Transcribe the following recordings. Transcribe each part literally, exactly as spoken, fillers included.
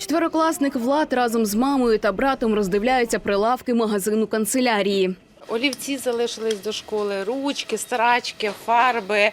Четверокласник Влад разом з мамою та братом роздивляються прилавки магазину канцелярії. Олівці залишились до школи, ручки, старачки, фарби,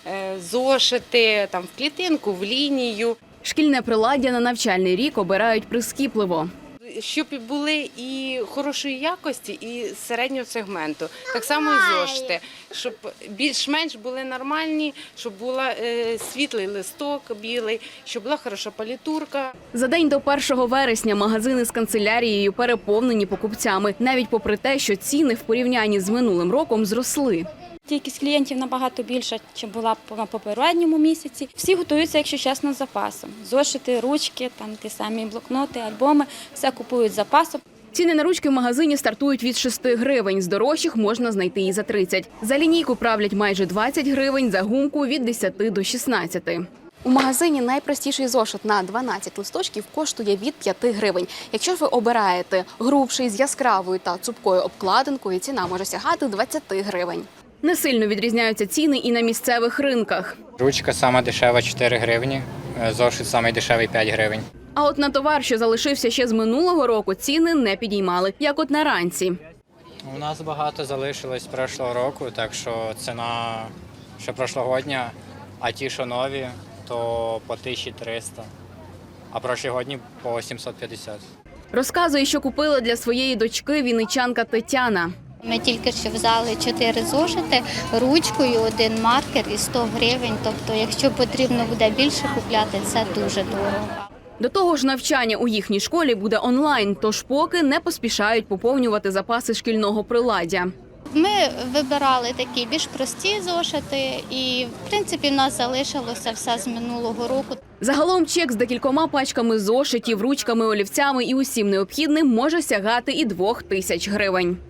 зошити, там, в клітинку, в лінію. Шкільне приладдя на навчальний рік обирають прискіпливо. Щоб були і хорошої якості, і середнього сегменту. Так само і зошити, щоб більш-менш були нормальні, щоб був світлий листок білий, щоб була хороша палітурка. За день до першого вересня магазини з канцелярією переповнені покупцями, навіть попри те, що ціни в порівнянні з минулим роком зросли. Кількість клієнтів набагато більша, ніж була на попередньому місяці. Всі готуються, якщо чесно, з запасом. Зошити, ручки, там ті самі блокноти, альбоми – все купують з запасом. Ціни на ручки в магазині стартують від шести гривень. З дорожчих можна знайти і за тридцять. За лінійку правлять майже двадцять гривень, за гумку – від десяти до шістнадцяти. У магазині найпростіший зошит на дванадцять листочків коштує від п'яти гривень. Якщо ж ви обираєте грубший з яскравою та цупкою обкладинкою, ціна може сягати двадцяти гривень. Не сильно відрізняються ціни і на місцевих ринках. Ручка сама дешева – чотири гривні, зошит самий дешевий – п'ять гривень. А от на товар, що залишився ще з минулого року, ціни не підіймали, як от на ранці. У нас багато залишилось з прошлого року, так що ціна, що прошлогодня, а ті, що нові, то по тисячі триста, а прошлогодні по сімсот п'ятдесят. Розказує, що купила для своєї дочки вінничанка Тетяна. Ми тільки що взяли чотири зошити, ручкою, один маркер і сто гривень. Тобто, якщо потрібно буде більше купляти, це дуже дорого. До того ж, навчання у їхній школі буде онлайн, тож поки не поспішають поповнювати запаси шкільного приладдя. Ми вибирали такі більш прості зошити і, в принципі, в нас залишилося все з минулого року. Загалом чек з декількома пачками зошитів, ручками, олівцями і усім необхідним може сягати і двох тисяч гривень.